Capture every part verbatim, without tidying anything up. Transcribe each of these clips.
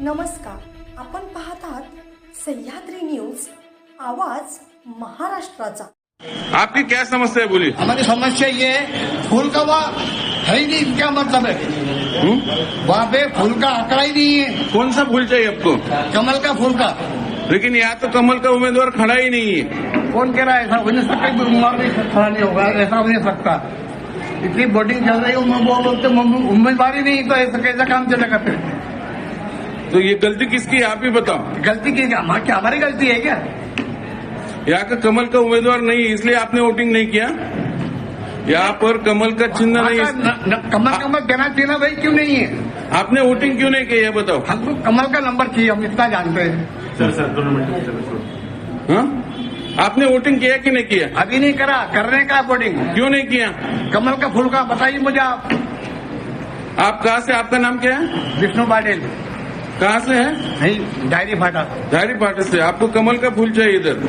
नमस्कार, आपण पाहत आहात सह्याद्री न्यूज, आवाज महाराष्ट्राचा। आपकी क्या समस्या है, बोलिए। हमारी समस्या ये है, फूल का वहाँ है ही नहीं, क्या मतलब है? वहाँ पे फूल का आंकड़ा ही नहीं है। कौन सा फूल चाहिए आपको? कमल का फूल का। लेकिन यहाँ तो कमल का उम्मीदवार खड़ा ही नहीं है। कौन कह रहा है ऐसा हो नहीं सकता? उम्मीदवार नहीं खड़ा नहीं होगा, ऐसा हो नहीं सकता। इतनी वोटिंग चल रही है, वो बोलते उम्मीदवार ही नहीं, तो ऐसा कैसा काम चलेगा फिर? तो ये गलती किसकी है, आप ही बताओ। गलती की क्या? क्या हमारी गलती है क्या? यहाँ का कमल का उम्मीदवार नहीं है, इसलिए आपने वोटिंग नहीं किया। यहाँ पर कमल का चिन्ह नहीं है। न, न, कमल कमल देना चाहिए ना भाई, क्यों नहीं है? आपने वोटिंग क्यों नहीं किया, ये बताओ। हमको कमल का नंबर चाहिए, हम इतना जानते हैं। सर सर दोनों मिनट। हाँ, आपने वोटिंग किया कि नहीं किया? अभी नहीं करा, करने का वोटिंग। क्यों नहीं किया? कमल का फूल का बताइए मुझे आप। आप कहाँ से, आपका नाम क्या है? विष्णु पाटिल। कहाँ से है? नहीं, डायरी फाटा। धारी पाटे से। आपको कमल का फूल चाहिए इधर।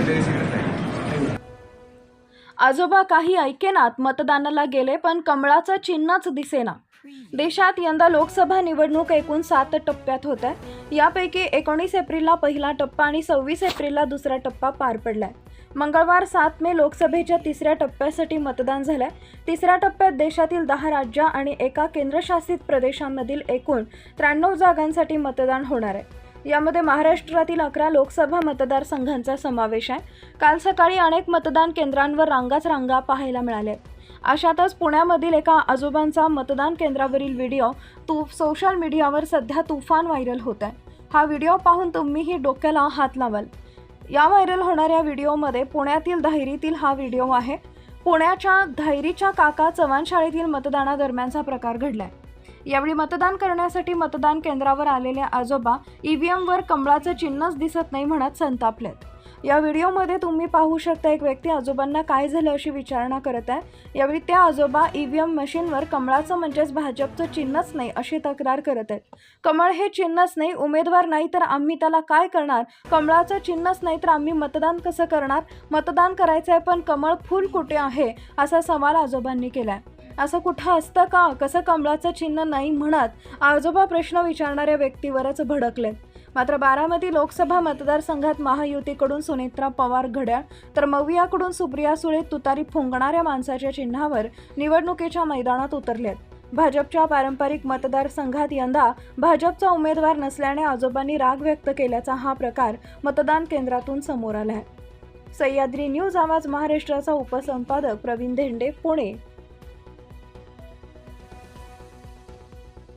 आजोबा काही ऐकेनात, मतदानाला गेले पण कमळाचं चिन्हच दिसेना। देशात यंदा लोकसभा निवडणूक एकूण सात टप्प्यात होत आहे। यापैकी एकोणीस एप्रिलला पहिला टप्पा आणि सव्वीस एप्रिलला दुसरा टप्पा पार पडलाय। मंगळवार सात मे लोकसभेच्या तिसऱ्या टप्प्यासाठी मतदान झालंय। तिसऱ्या टप्प्यात देशातील दहा राज्य आणि एका केंद्रशासित प्रदेशांमधील एकूण त्र्याण्णव जागांसाठी मतदान होणार आहे। यामध्ये महाराष्ट्रातील अकरा लोकसभा मतदारसंघांचा समावेश आहे। काल सकाळी अनेक मतदान केंद्रांवर रांगाच रांगा पाहायला मिळाल्या। अशातच पुण्यामधील एका आजोबांचा मतदान केंद्रावरील व्हिडिओ तू सोशल मीडियावर सध्या तुफान व्हायरल होत आहे। हा व्हिडिओ पाहून तुम्हीही डोक्याला हात लावाल। या व्हायरल होणाऱ्या व्हिडिओमध्ये पुण्यातील धायरीतील हा व्हिडिओ आहे। पुण्याच्या धायरीच्या काका चव्हाण शाळेतील मतदानादरम्यानचा प्रकार घडलाय। यावेळी मतदान करण्यासाठी मतदान केंद्रावर आलेले आजोबा ईव्हीएमवर कमळाचं चिन्हच दिसत नाही म्हणत संतापलेत। या व्हिडिओमध्ये तुम्ही पाहू शकता, एक व्यक्ती आजोबांना काय झालं अशी विचारणा करत आहे। यावेळी त्या आजोबा ईव्हीएम मशीनवर कमळाचं म्हणजेच भाजपचं चिन्हच नाही अशी तक्रार करत आहेत। कमळ हे चिन्हच नाही, उमेदवार नाही तर आम्ही त्याला काय करणार? कमळाचं चिन्हच नाही तर आम्ही मतदान कसं करणार? मतदान करायचंय पण कमळ फूल कुठे आहे, असा सवाल आजोबांनी केलाय। असं कुठं असतं का? कसं कमळाचं चिन्ह नाही म्हणत आजोबा प्रश्न विचारणाऱ्या व्यक्तीवरच भडकलेत। मात्र बारामती लोकसभा मतदारसंघात महायुतीकडून सुनेत्रा पवार घड्याळ तर मवियाकडून सुप्रिया सुळे तुतारी फुंकणाऱ्या माणसाच्या चिन्हावर निवडणुकीच्या मैदानात उतरलेत। भाजपच्या पारंपरिक मतदारसंघात यंदा भाजपचा उमेदवार नसल्याने आजोबांनी राग व्यक्त केल्याचा हा प्रकार मतदान केंद्रातून समोर आला आहे। सह्याद्री न्यूज, आवाज महाराष्ट्राचा उपसंपादक प्रवीण धेंडे, पुणे।